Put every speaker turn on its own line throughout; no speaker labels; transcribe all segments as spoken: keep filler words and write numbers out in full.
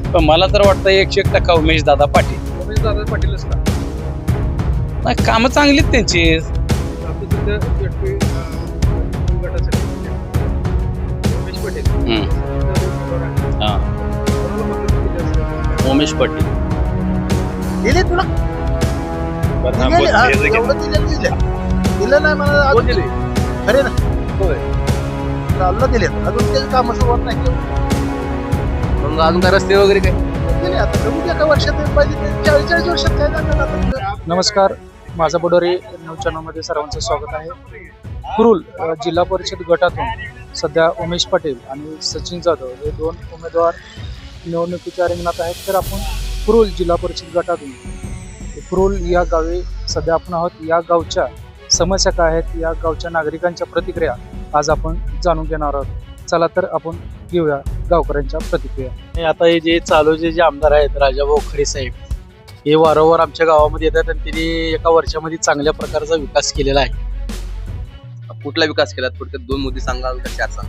पण मला तर वाटतं एकशे एक टक्का उमेश दादा पाटील.
उमेश दादा पाटीलच का?
नाही, कामं चांगलीच त्यांची.
आता सध्या व्यक्ती, अं, गटासाठी उमेश पाटील
हम्म.
उमेदवार आहे.
हा.
कोणाला मतदान केलं असेल?
उमेश पाटील.
दिले तुला
बरं, हा,
दिले,
बोल,
हा,
हे जे-
एवढं दिलं दिलं दिलं नाही मला
कोण
अजून
दिले?
खरे ना
होय.
चालला दिले अजून त्याची कामं सुरुवात नाही केली.
मग अजून काय रस्ते वगैरे काय?
दिले आता कमी एका वर्षात पाहिजे चाळीस चाळीस वर्षात काय जाणार आता.
नमस्कार, माझा बुडोरी न्यूज चॅनलमध्ये सर्वांचं स्वागत आहे. कुरुल अ, जिल्हा परिषद गटातून सध्या उमेश पाटील आणि सचिन जाधव हे दोन उमेदवार निवडणुकीच्या रिंगणात आहेत. तर आपण कुरुल जिल्हा परिषद गटातून कुरुल या गावी सध्या आपण आहोत. या गावच्या समस्या काय आहेत, या गावच्या नागरिकांच्या प्रतिक्रिया आज आपण जाणून घेणार आहोत. चला तर आपण घेऊया गावकऱ्यांच्या प्रतिक्रिया.
आणि आता हे जे चालू जे जे आमदार आहेत राजाभाऊ खरे साहेब, हे वारंवार आमच्या गावामध्ये येतात आणि त्यांनी एका वर्षामध्ये चांगल्या प्रकारचा विकास केलेला आहे.
कुठला विकास केला? थोडक्यात दोन मुद्दे सांगाल का चार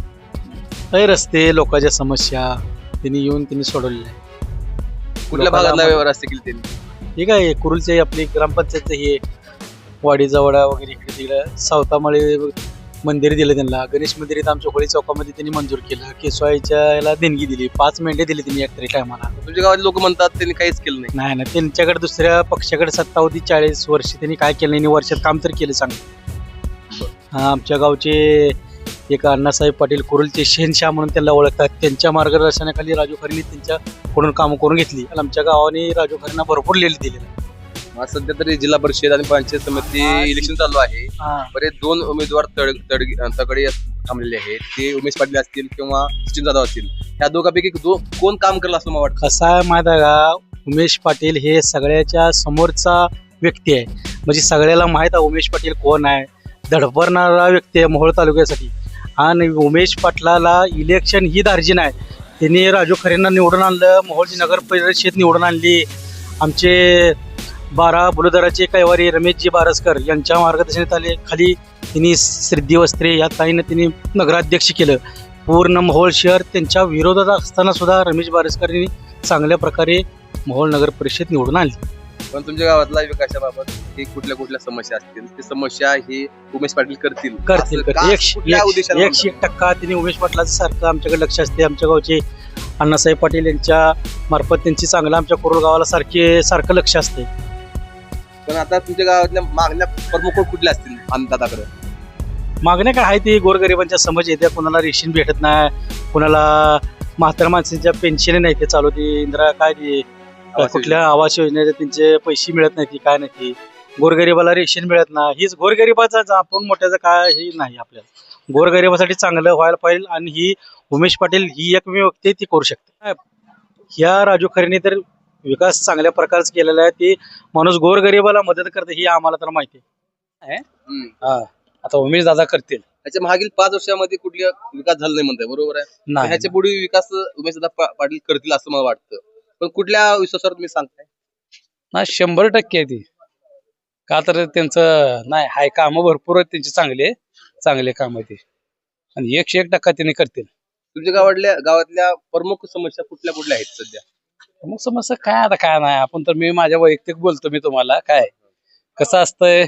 सांगा?
हे रस्ते, लोकांच्या समस्या त्यांनी येऊन त्यांनी सोडवलेल्या आहे.
कुठल्या
लोकांना
भागातला
आम्हाला-
रस्ते केले त्यांनी?
ठीक आहे, कुरुलचे आपली ग्रामपंचायत हे वाडी जवळा वगैरे इकडे तिकडे सावतामाळे मंदिर दिलं त्यांना. गणेश मंदिर इथं आमच्या होळी चौकामध्ये त्यांनी मंजूर केलं. केसवाईच्या याला देणगी दिली. पाच मेंढे दिले त्यांनी एक तरी टायमाला.
तुमच्या गावात लोक म्हणतात त्यांनी काहीच केलं नाही.
नाही नाही, त्यांच्याकडे दुसऱ्या पक्षाकडे सत्ता होती चाळीस वर्ष, त्यांनी काय केलं नाही. वर्षात काम तर केलं चांगलं. हा, आमच्या गावचे एक अण्णासाहेब पाटील कुरुलचे शहनशाह म्हणून त्यांना ओळखतात. त्यांच्या मार्गदर्शनाखाली राजू खरेंनी त्यांच्याकडून कामं करून घेतली आणि आमच्या गावाने राजू खरेंना भरपूर लिहिलं दिलेलं.
आज सध्या तरी जिल्हा परिषद आणि पंचायत समिती इलेक्शन चालू आहे. बरेच दोन उमेदवार तड तड तगडे थांबलेले आहेत. ते उमेश पाटील असतील किंवा सचिन जाधव असतील. ह्या दोघांपैकी दो- कोण काम करेल असं मला वाटतं?
कसं आहे माहिती आहे का, उमेश पाटील हे सगळ्याच्या समोरचा व्यक्ती आहे. म्हणजे सगळ्याला माहीत आहे उमेश पाटील कोण आहे. धडपडणारा व्यक्ती आहे मोहोळ तालुक्यासाठी. आणि उमेश पाटलाला इलेक्शन ही दार्जिन आहे. त्यांनी राजू खरेंना निवडून आणलं. मोहोळची नगर परिषद निवडून आणली. आमचे बारा बुलुदराचे कैवारी रमेशजी बारसकर यांच्या मार्गदर्शनात आले खाली त्यांनी सिद्धी वस्त्रे या ताईनं त्यांनी नगराध्यक्ष केलं. पूर्ण मोहोळ शहर त्यांच्या विरोधात असताना सुद्धा रमेश बारसकर यांनी चांगल्या प्रकारे मोहोळ नगर परिषद निवडून आणली.
पण तुमच्या गावातल्या विकासाबाबत ही कुठल्या कुठल्या समस्या असतील ती समस्या ही उमेश पाटील करतील
करतील
असं का?
करतील एकशे
कुठल्या
एकशे-
उद्देशाने
एकशे एक टक्का त्यांनी उमेश पाटलाचं सारखं आमच्याकडे लक्ष असते. आमच्या गावचे अण्णासाहेब पाटील यांच्या मार्फत त्यांची चांगलं आमच्या कोरोल गावाला सारखे सारखं लक्ष असते.
म्हणतात? पण आता तुमच्या गावातल्या मागण्या प्रमुख कुठल्या असतील अन्नदाताकडे?
मागण्या काय आहे ती गोरगरिबांच्या समज येते. कोणाला रेशन भेटत नाही, कोणाला म्हातार माणसांच्या पेन्शन नाही ते चालू ती इंदिरा काय ती
आवास
कुठल्या आवास योजनेचे त्यांचे पैसे मिळत नाही ती काय नाही ती. गोरगरिबाला रेशन मिळत नाही. हीच गोरगरिबाचा आपण मोठ्याचं काय हे नाही. आपल्याला गोरगरिबासाठी चांगलं व्हायला पाहिजे आणि ही उमेश पाटील ही एकमेव व्यक्ती ती करू शकते. ह्या राजू खरेने तर विकास चांगल्या प्रकारचा केलेला आहे. ती माणूस गोरगरिबाला मदत करते ही आम्हाला तर माहिती आहे.
हम्म.
हा, आता उमेश दादा करतील.
ह्याच्या मागील पाच वर्षामध्ये कुठला विकास झाला नाही म्हणताय, बरोबर आहे?
नाही,
ह्याच्या पुढे विकास उमेशदादा पा- पाटील करतील असं मला वाटतं. पण कुठल्या विश्वासावर तुम्ही सांगताय?
नाही, शंभर टक्के आहे ती. का तर त्यांचं नाही हाय कामं भरपूर आहेत त्यांची, चांगले चांगले काम आहे ते आणि एकशे एक टक्का त्यांनी करतील.
तुमच्या गावातल्या गावातल्या प्रमुख समस्या कुठल्या कुठल्या आहेत सध्या?
मग समस्या काय आता काय नाही. आपण तर मी माझ्या वैयक्तिक बोलतो मी तुम्हाला. काय कसं असतंय,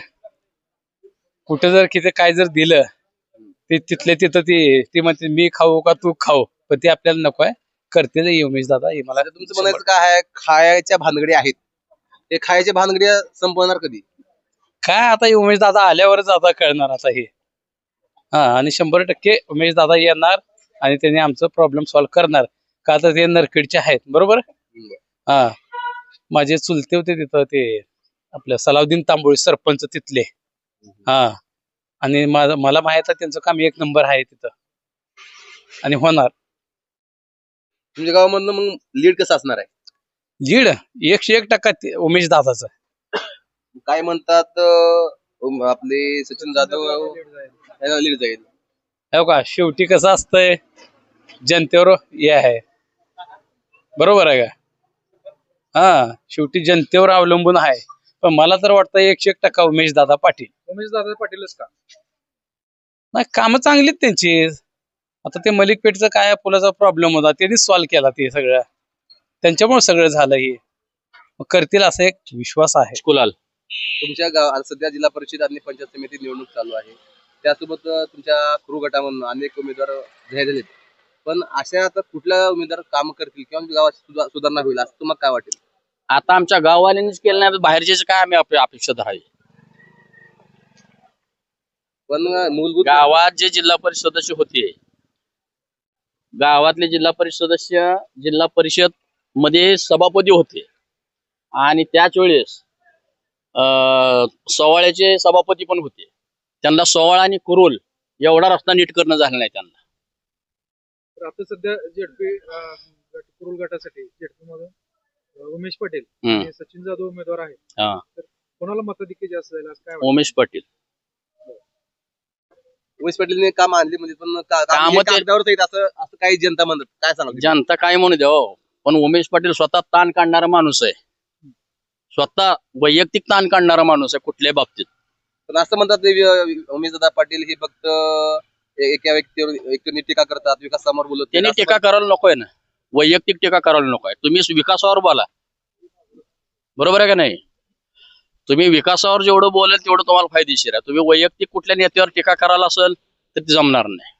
कुठे जर किती काय जर दिलं ते तिथले तिथं ती ती म्हणते मी खाऊ का तू खाऊ, पण ते आपल्याला नको आहे. करतील उमेश दादा हे मला.
आता तुमचं म्हणायचं काय आहे? खायच्या भानगडी आहेत, हे खायच्या भानगडी संपवणार कधी?
काय आता हे उमेश दादा आल्यावरच आता कळणार आता हे. हा, आणि शंभर टक्के उमेश दादा येणार आणि त्यांनी आमचं प्रॉब्लेम सॉल्व्ह करणार. का तर ते नरखेडचे आहेत, बरोबर. हा, माझे चुलते होते तिथं ते आपल्या सलाउद्दीन तांबोळी सरपंच तिथले. हा, आणि माझं मला माहित आहे त्यांचं काम एक नंबर आहे तिथं आणि होणार.
तुमच्या गावामधनं मग लीड कसं असणार आहे?
लीड एकशे एक टक्का ते उमेश दादाचं.
काय म्हणतात अं, आपले सचिन जाधव यांना लीड जाईल.
हो का, शेवटी कसं असतंय जनतेवर हे आहे, बरोबर आहे का. हा, शेवटी जनतेवर अवलंबून आहे. पण मला तर वाटतं एकशे एक टक्का उमेश दादा पाटील.
उमेश दादा पाटीलच का?
नाही, कामं चांगलीच त्यांची. आता ते मलिकपेठचं काय पुलाचा प्रॉब्लेम होता त्यांनी सॉल्व्ह केला ते सगळं. त्यांच्यामुळे सगळं झालं हे मग करतील असा एक विश्वास आहे.
कुलाल तुमच्या गावात सध्या जिल्हा परिषद आणि पंचायत समिती निवडणूक चालू आहे. त्यासोबत अं, तुमच्या क्रू गटामधून अनेक उमेदवार जाहीर झालेत. पण अशा आता कुठल्या उमेदवार काम करतील किंवा गावात सुधा- सुधारणा होईल असं तुम्हाला काय वाटेल?
आता आमच्या गाववाल्यांनीच केलं नाही, बाहेरचे काय आम्ही अपे- अपेक्षा धरावी.
पण अं, मूलभूत
गावात जे जिल्हा परिषद सदस्य होते, गावातले जिल्हा परिषद सदस्य जिल्हा परिषद मध्ये सभापती होते आणि त्याच वेळेस अं, सोवाळ्याचे सभापती पण होते. त्यांना सोवाळा आणि कुरुल एवढा रस्ता नीट करणं झालं नाही त्यांना.
तर आता सध्या जेडपी कुरुल गटासाठी जेडपी मधून अं, उमेश पटेल
हम्म.
आणि सचिन जाधव उमेदवार आहेत.
हा.
तर कोणाला मताधिक्य जास्त जाईल असं काय वाटतं?
उमेश पाटील
उमेश पाटीलने काम आणली म्हणजे पण का- काम
कामं
हे
ते-
कागदावरच आहेत असं असं काही जनता म्हणत काय सांगा
जनता काय म्हणू द्या हो, पण उमेश पाटील स्वतः ताण काढणारा माणूस आहे. स्वतः वैयक्तिक ताण काढणारा माणूस आहे कुठल्याही बाबतीत.
पण असं म्हणतात उमेश दादा पाटील हे फक्त ए- एका व्यक्तीवर व्यक्तीने टीका करतात, विकासासमोर बोलत नाही.
त्यांनी
असं
टीका करायला नकोय ना, वैयक्तिक टीका करायला नकोय. तुम्ही विकासावर बोला, बरोबर आहे का नाही? तुम्ही विकासावर जेवढं बोलाल तेवढं तुम्हाला फायदेशीर आहे. तुम्ही वैयक्तिक कुठल्या नेत्यावर टीका करायला असेल तर ते जमणार नाही.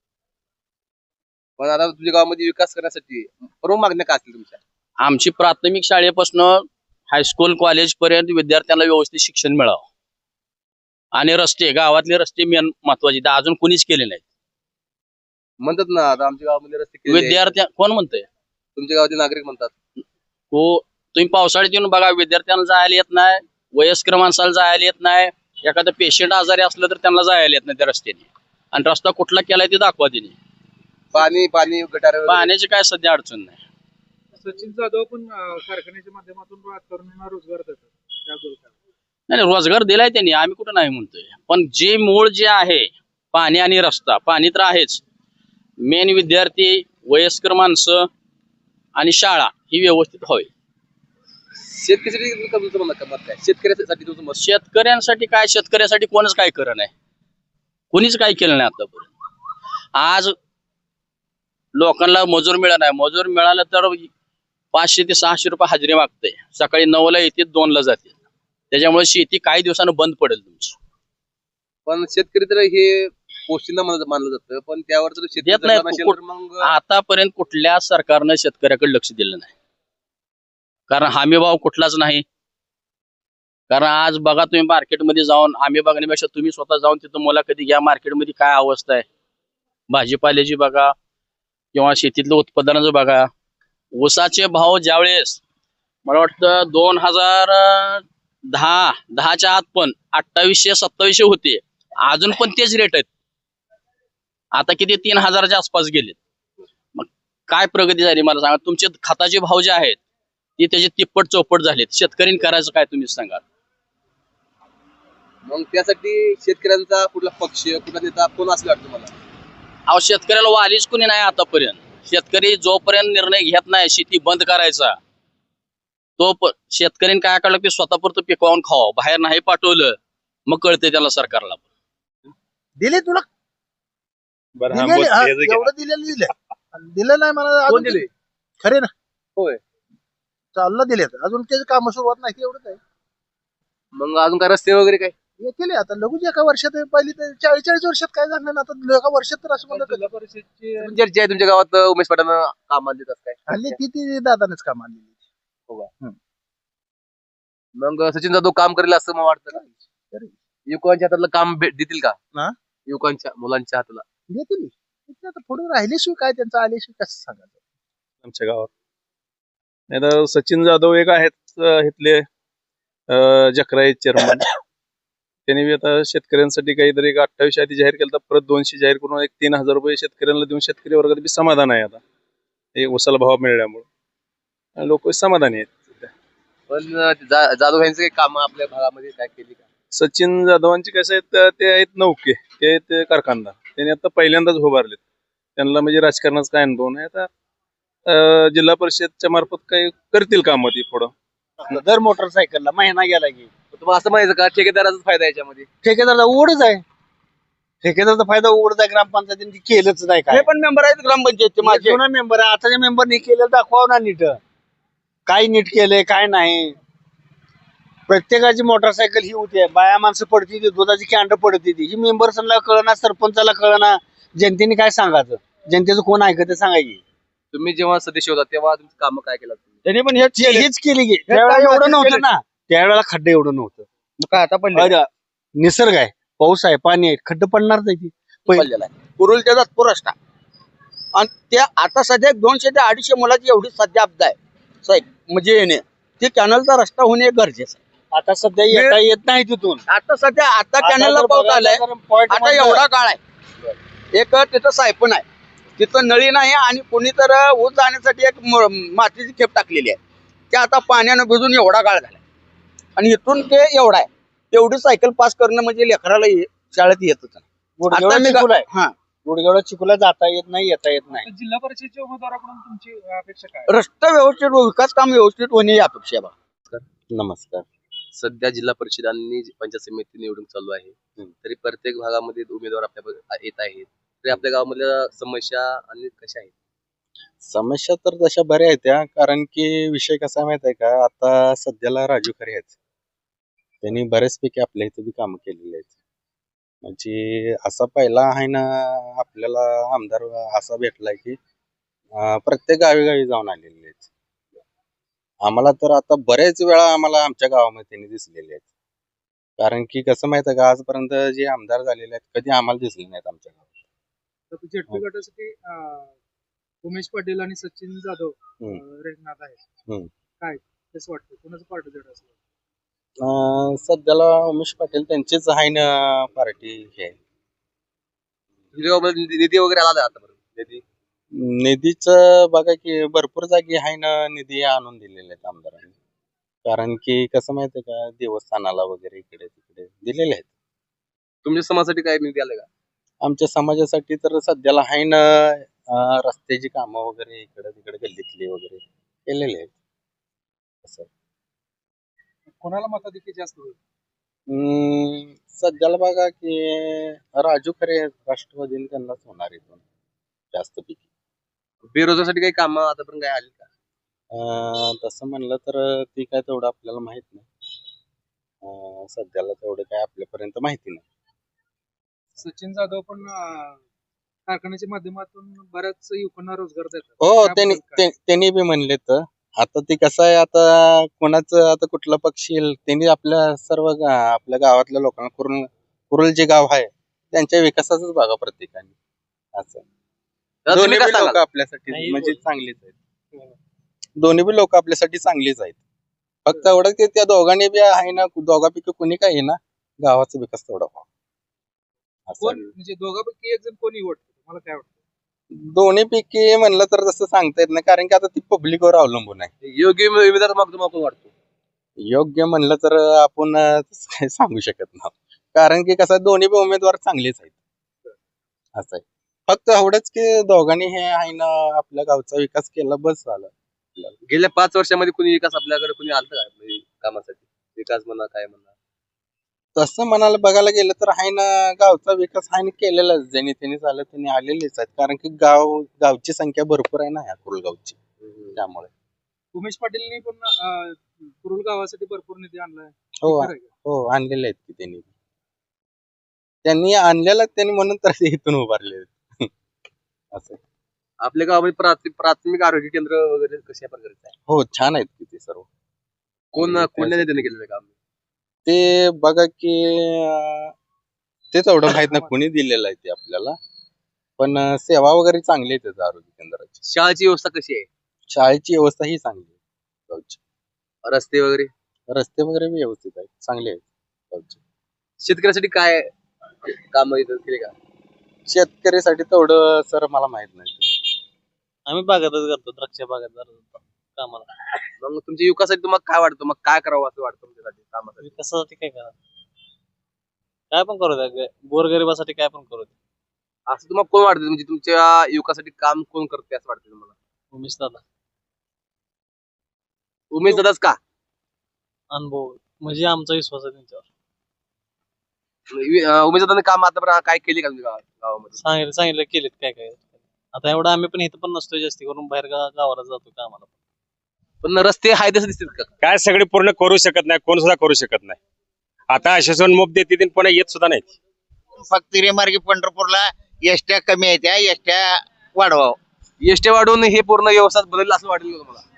पण आता तुझ्या गावामध्ये विकास करण्यासाठी प्रमुख मागण्या काय असतील तुमच्या?
आमची प्राथमिक शाळेपासून हायस्कूल कॉलेज पर्यंत विद्यार्थ्यांना व्यवस्थित शिक्षण मिळावं आणि रस्ते, गावातले रस्ते मेन महत्वाचे, ते अजून कोणीच केले नाहीत.
म्हणतात ना आता आमच्या गावामध्ये रस्ते केलेले आहेत.
विद्यार्थी कोण म्हणतंय?
तुमच्या गावातील नागरिक म्हणतात.
हो, तुम्ही पावसाळ्यात येऊन बघा, विद्यार्थ्यांना जायला येत नाही, वयस्कर माणसाला जायला येत नाही, एखादं पेशंट आजारी असलं तर त्यांना जायला येत नाही त्या रस्त्याने. आणि रस्ता कुठला केलाय ते दाखवा तिने.
पाणी पाणी गटार वगैरे.
पाण्याची काय सध्या अडचण नाही.
सचिन जाधव पण अं, कारखान्याच्या माध्यमातून तरुणांना रोजगार देतात. त्याबद्दल काय?
नाही नाही, रोजगार दिलाय त्यांनी, आम्ही कुठं नाही म्हणतोय. पण जे मूळ जे आहे पाणी आणि रस्ता, पाणी तर आहेच, मेन विद्यार्थी, वयस्कर माणसं आणि शाळा ही व्यवस्थित व्हावी.
शेतकऱ्यासाठी तुमचं मत मत काय? शेतकऱ्यासाठी तुमचं मत?
शेतकऱ्यांसाठी काय, शेतकऱ्यासाठी कोणच काय करत नाही, कोणीच काय केलं नाही आतापर्यंत. आज लोकांना मजूर मिळत नाही, मजूर मिळालं तर पाचशे ते सहाशे रुपये हजेरी मागते. सकाळी नऊला येते, दोनला जाते. त्याच्यामुळे शेती काही दिवसानं बंद पडेल तुमची.
पण शेतकरी तर हे पोस्टिंना मानलं जातं, पण त्यावर जर शेतकरी
देत नाही.
जगणार नसेल तर मग
आतापर्यंत कुठल्या सरकारनं शेतकऱ्याकडे लक्ष दिलं नाही, कारण हमी भाव कुठलाच नाही. कारण आज बघा तुम्ही मार्केटमध्ये जाऊन, आम्ही बघण्यापेक्षा तुम्ही स्वतः जाऊन तिथं मुलाखती घ्या, मार्केटमध्ये काय अवस्था आहे, भाजीपाल्याची बघा किंवा शेतीतलं उत्पादनाचं बघा. ऊसाचे भाव ज्यावेळेस मला वाटतं दोन हजार दहा दहाच्या आत पण अठ्ठावीसशे सत्तावीसशे होते, अजून पण तेच रेट आहेत. आता किती तीन हजाराच्या आसपास गेलेत. मग काय प्रगती झाली मला सांगा? तुमचे खताचे भाव जे आहेत ते त्याचे तिप्पट चौपट झालेत. शेतकऱ्यांनी करायचं काय तुम्ही सांगा?
मग त्यासाठी शेतकऱ्यांचा कुठला पक्ष, कुठला नेता कोण असं वाटतं मला?
अहो, शेतकऱ्याला वालीच कोणी नाही आतापर्यंत. शेतकरी जोपर्यंत निर्णय घेत नाही शेती बंद करायचा, तो प- शेतकऱ्यांनी काय काढलं की स्वतःपुरतं पिकवून खावं, बाहेर नाही पाठवलं मग कळते त्याला सरकारला.
दिले तुला दिलेले, हा, एवढं दिलेलं दिलं आणि दिलं नाही मला
कोण
अजून
दिले?
खरे ना.
होय.
चालला दिले अजून त्याचे काम सुरुवात नाही, एवढंच आहे.
मग अजून काय रस्ते वगैरे काय?
हे केले आता लगूच एका वर्षात, पहिली तर चाळीस चाळीस वर्षात काय झालं ना, आता एका वर्षात तर असं म्हणलं
जिल्हा परिषदची
चर्चा आहे तुमच्या गावात उमेश पाटलांना काम आणले काय?
हल्ली ती ती दादानेच काम आणलेली.
मग सचिन जाधव काम करेल असं मला वाटतं का? युवकांच्या हातातलं काम भेट देतील का?
हा?
युवकांच्या मुलांच्या हाताला
देतील आता पुढे राहिल्याशिवाय काय, त्यांचं आल्याशिवाय कसं सांगायचं.
आमच्या गावात नाही तर सचिन जाधव एक आहेत अं, इथले अं, जकराई चेअरमन. त्यांनी बी आता शेतकऱ्यांसाठी काहीतरी एक अठ्ठावीस आधी जाहीर केलं, तर परत दोनशे जाहीर करून एक तीन हजार रुपये शेतकऱ्यांना देऊन शेतकरी वर्गात बी समाधान आहे. आता हे उसाला भाव मिळाल्यामुळे लोक समाधानी आहेत.
पण जा- जाधव यांचं काही काम आपल्या भागामध्ये काय केली का?
सचिन जाधवांचे कसे आहेत, तर ते आहेत नौके, ते आहेत कारखानदार. त्यांनी आता पहिल्यांदाच उभारलेत. त्यांना म्हणजे राजकारणाचा काय अनुभव नाही. आता अं, जिल्हा परिषदच्या मार्फत काही करतील कामं ती पुढं.
दर मोटरसायकलला महिना गेला की
तुम्हाला असं माहिती का ठेकेदाराचा फायदा आहे याच्यामध्ये?
ठेकेदारला ओढच आहे. ठेकेदारचा फायदा ओढच आहे. ग्रामपंचायतीने ती केलंच नाही. काय
पण मेंबर आहेत ग्रामपंचायतचे
माझे जुना मेंबर आहे, आताच्या मेंबरनी केलं दाखवावं ना नीट. काय नीट केलंय काय नाही. प्रत्येकाची मोटरसायकल ही होती, बाया माणसं पडती ती, दुधाची कॅन्ड पडती ती, ही मेंबर्सला कळना, सरपंचाला कळना, जनतेने काय सांगायचं, जनतेचं कोण ऐकत सांगायची.
तुम्ही जेव्हा सदस्य होता तेव्हा तुमची कामं काय केलं तुम्ही?
त्यांनी पण हेच केले.
हीच केली की त्यावेळेला एवढं नव्हतं ना, त्यावेळेला खड्डे एवढं नव्हतं.
काय आता पण
अरे, निसर्ग आहे, पाऊस आहे, पाणी आहे, खड्डे पडणार नाही ती.
पडलेला आहे कुरुल त्याचा पुरस्ता आणि त्या आता सध्या दोनशे ते अडीचशे मुलाची एवढी सध्या अपदा आहे साहेब, म्हणजे येणे ते कॅनलचा रस्ता होणे गरजेचं आहे.
आता सध्या येता येत नाही तिथून.
आता सध्या आता
आता
कॅनलला
जर
पाऊस
बघायला
आलाय,
तर point
आता
मधलं-
एवढा काळ आहे. एक तिथं सायपण आहे, तिथं नळी नाही आणि कोणी तर ऊस जाण्यासाठी एक म- मातीची खेप टाकलेली आहे, ते आता पाण्यानं भिजून एवढा काळ झालाय आणि इथून ते एवढा आहे. तेवढी सायकल पास करणं म्हणजे लेकराला ये- शाळेत येतच नाही.
गुडघेवढा
आता मी
चिखल आहे.
हा
गुडघेवढा चिखला जाता येत नाही, येता येत नाही.
जिल्हा परिषदेच्या उमेदवाराकडून तुमची अपेक्षा काय?
रस्ता व्यवस्थित विकास काम व्यवस्थित होणे ही अपेक्षा आहे बा.
नमस्कार.
सध्या जिल्हा परिषद आणि पंचायत समिती निवडणूक चालू आहे, तरी प्रत्येक भागामध्ये उमेदवार आपल्या येत आहेत. तरी आपल्या गावामधल्या समस्या आणि कशा आहेत?
समस्या तर तशा बऱ्या आहेत त्या, कारण की विषय कसा माहित आहे का, आता सध्याला राजू खरे आहेत, त्यांनी बऱ्याचपैकी आपल्या इथे बी कामं केलेली आहेत. म्हणजे असा पहिला आहे ना आपल्याला आमदार असा भेटलाय की अं, प्रत्येक गावी गावी जाऊन आलेले आहेत. आम्हाला तर आता बरेच वेळा आम्हाला आमच्या गावामध्ये त्यांनी दिसलेले आहेत. कारण की कसं माहित आहे का, आजपर्यंत जे आमदार झालेले आहेत कधी आम्हाला दिसले नाहीत आमच्या गावात.
तर जेडपी गटासाठी अं, उमेश पाटील आणि सचिन जाधव
हम्म.
अं, रिंगणात आहेत.
हम्म.
काय कसं वाटतं, कोणाचं पार्ट जड असेल?
अं, सध्याला उमेश पाटील त्यांचीच आहे ना पार्टी हे.
तुमच्या गावामध्ये निधी निधी वगैरे आला आता बरोबर निधी?
निधीचं बघा की भरपूर जागी आहे ना निधी आणून दिलेले आहेत आमदारांनी. कारण की कसं माहितीये का, देवस्थानाला वगैरे इकडे तिकडे दिलेले आहेत.
तुमच्या समाजासाठी काय निधी आले का?
आमच्या समाजासाठी तर सध्याला आहे ना अं, रस्त्याची कामं वगैरे इकडे तिकडे गल्लीतली वगैरे केलेले आहेत. असं
कोणाला मताधिक्य जास्त होईल?
हम्म, सध्याला बघा की राजू खरे राष्ट्रवादीने त्यांनाच होणार इथून जास्त पैकी.
बेरोजगारसाठी काही कामं आतापर्यंत काय आली का?
अं, तसं म्हणलं तर ती काय तेवढं आपल्याला माहित नाही. अं, सध्याला तेवढं काय आपल्यापर्यंत माहिती नाही.
सचिन जाधव पण अं, कारखान्याच्या माध्यमातून बऱ्याच युवकांना रोजगार देतात.
हो,
त्याबद्दल
त्यांनी
काय?
ते- त्यांनी बी म्हणले तर आता ते कसं आहे, आता कोणाचं आता कुठला पक्ष येईल त्यांनी आपल्या सर्व गा- आपल्या गावातल्या लोकांना कुरुल कुरुल जे गाव आहे त्यांच्या विकासाचाच बघा प्रत्येकाने. असं
दादा,
दोन्ही
तुम्ही काय
बी लोक
सांगाल?
आपल्यासाठी म्हणजे चांगलीच आहेत. दोन्ही बी लोक आपल्यासाठी चांगलीच आहेत. फक्त एवढं की त्या दोघांनी बी आहे ना, दोघांपैकी कोणी काय आहे ना गावाचा विकास तेवढा व्हावा.
कोण
असं
म्हणजे दोघांपैकी एक जण कोण निवडतं, मला काय वाटतं?
दोन्ही पैकी म्हणलं तर तसं सांगता येत नाही, कारण की आता ती पब्लिकवर अवलंबून आहे.
योग्य उमेदवार मग तुम्हाला कोण वाटतो?
योग्य म्हणलं तर आपण अं, तसं काही सांगू शकत नाही, कारण की कसं आहे, दोन्ही बी उमेदवार चांगलेच आहेत. असं आहे. फक्त एवढंच की दोघांनी हे आहे ना आपल्या गावचा विकास केला बस झालं.
गेल्या पाच वर्षामध्ये कुणी विकास आपल्याकडे कुणी आलं का म्हणजे कामासाठी? विकास म्हणा काय म्हणा?
तसं म्हणायला बघायला गेलं तर आहे ना गावचा विकास आहे ना केलेलाच, ज्यांनी त्यांनी झालं त्यांनी आलेलेच आहेत. कारण की गाव गावची संख्या भरपूर आहे ना ह्या कुरुलगावची, त्यामुळे.
उमेश पाटीलनी पण अं, कुरुल गावासाठी भरपूर निधी आणलाय.
हो
खरं आहे का?
हो आणलेले आहेत की त्यांनी त्यांनी आणलेला त्यांनी म्हणून तर ते इथून उभारले आहेत. असं.
आपल्या गावामध्ये प्राथमिक प्राथमिक आरोग्य केंद्र वगैरे कशा प्रकारचे आहे?
हो छान आहेत की ते सर्व.
कोण
आणि
कोणत्या नेत्याने केलेलं काम?
ते बघा की अं, तेच एवढं माहित नाही कोणी दिलेलं आहे ते आपल्याला, पण अं, सेवा वगैरे चांगली आहे त्याचं आरोग्य केंद्राची.
शाळेची व्यवस्था कशी आहे?
शाळेची व्यवस्था ही चांगली आहे गावची.
रस्ते वगैरे?
रस्ते वगैरे बी व्यवस्थित आहेत, चांगले आहेत गावचे.
शेतकऱ्यासाठी काय काम केले का?
शेतकऱ्यासाठी तेवढं सर मला माहित नाही.
आम्ही बागातच करतो, द्राक्ष बागात कामाला.
मग तुमच्या युवकासाठी तुम्हाला काय वाटतं, मग काय करावं असं वाटतं तुमच्यासाठी कामासाठी?
विकासासाठी काय करा, काय पण करू द्या, गोरगरिबासाठी काय पण करू द्या.
असं तुम्हाला कोण वाटतं, म्हणजे तुमच्या युवकासाठी काम कोण करते असं वाटतं तुम्हाला?
उमेश दादा
उमेश दादाच का?
अनुभव म्हणजे आमचा विश्वास आहे त्यांच्यावर.
उमेश दादाने काम आतापर्यंत काय केले का तुमच्या गावात गावामध्ये?
सांगितलं सांगितलं केलेत काय काय. आता एवढं आम्ही पण इथं पण नसतोय, जास्ती करून बाहेर गा- गावाला जातो कामाला.
पण रस्ते हाय तसे दिसतील का?
काय सगळे पूर्ण करू शकत नाही, कोण सुद्धा करू शकत नाही. आता आश्वासन मुख देते ते पुन्हा येत सुद्धा नाही.
फक्त रेमार्गी पंढरपूरला एसट्या कमी आहेत त्या एसट्या वाढवावं.
एसटी वाढवून हे पूर्ण व्यवस्था बदललं असं वाटेल का तुम्हाला?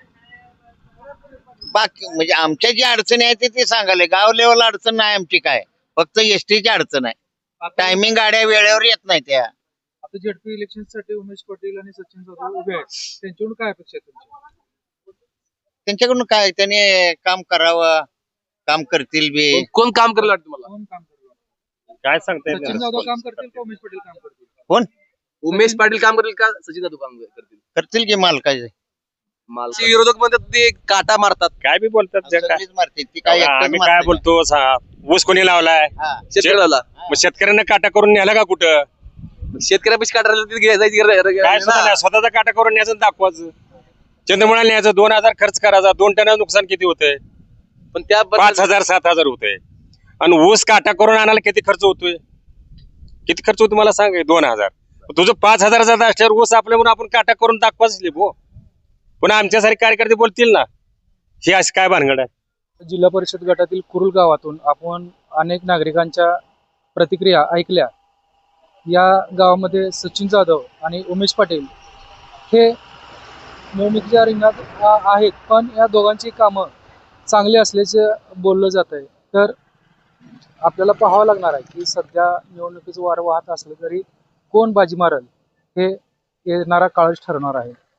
बाकी म्हणजे आमच्या जी अडचणी आहे ते सांगाले. गाव लेवल अडचण नाही आमची, काय फक्त एसटीची अडचण आहे. टायमिंग गाड्या वेळेवर येत नाही त्या.
आता झेडपी इलेक्शन साठी उमेश पाटील आणि सचिन जाधव उभे आहेत, त्यांच्याकडून काय अपेक्षा आहे तुमची?
त्यांच्याकडून काय, त्याने काम करावं, काम करतील बी.
कोण काम करेल वाटतं मला?
कोण काम करणार?
काय सांगता येत
सचिन
नाही.
जाधव काम करतील का उमेश पाटील काम करतील?
कोण?
उमेश पाटील काम करेल का सचिन जाधव काम करतील?
करतील की मालकाचे.
मालकी विरोधक म्हणतात ते काटा मारतात.
काय बी बोलतात जे काय.
सगळीच मारतील ती, काय एकटंच
आम्ही काय
मारतील.
बोलतो सा- ऊस कोणी लावलाय,
हा.
शेतकऱ्याला
मग शेतकऱ्यांना काटा करून न्यायला का कुठं?
शेतकऱ्यापेक्षा काटा राहिला तिथे जायची गरज- गरज
काय
नाही
सुद्धा
ना.
नाही, स्वतःचा काटा करून न्यायचं आणि दाखवायचं. चंद्रमुळा न्यायचं, दोन हजार खर्च करायचा, दोन टनाचं नुकसान किती होतंय?
पण त्या
पाच हजार सात हजार होतंय. आणि ऊस काटा करून आणायला किती खर्च होतोय? किती खर्च होतो मला सांग. दोन हजार तुझं पाच हजाराचा असल्यावर ऊस आपल्या म्हणून आपण काटा करून दाखवाच लिबो. पुन्हा आमच्यासारखे कार्यकर्ते बोलतील ना ही अशी काय भानगड आहे.
जिल्हा परिषद गटातील कुरुल गावातून आपण अनेक नागरिकांच्या प्रतिक्रिया ऐकल्या. या गावामध्ये सचिन जाधव आणि उमेश पाटील हे निवडणुकीच्या रिंगणात आ- आहेत, पण या दोघांची कामं चांगली असल्याचं बोललं जात आहे. तर आपल्याला पाहावं लागणार आहे की सध्या निवडणुकीचं वारं वाहत असलं तरी कोण बाजी मारेल हे येणारा काळच ठरणार आहे.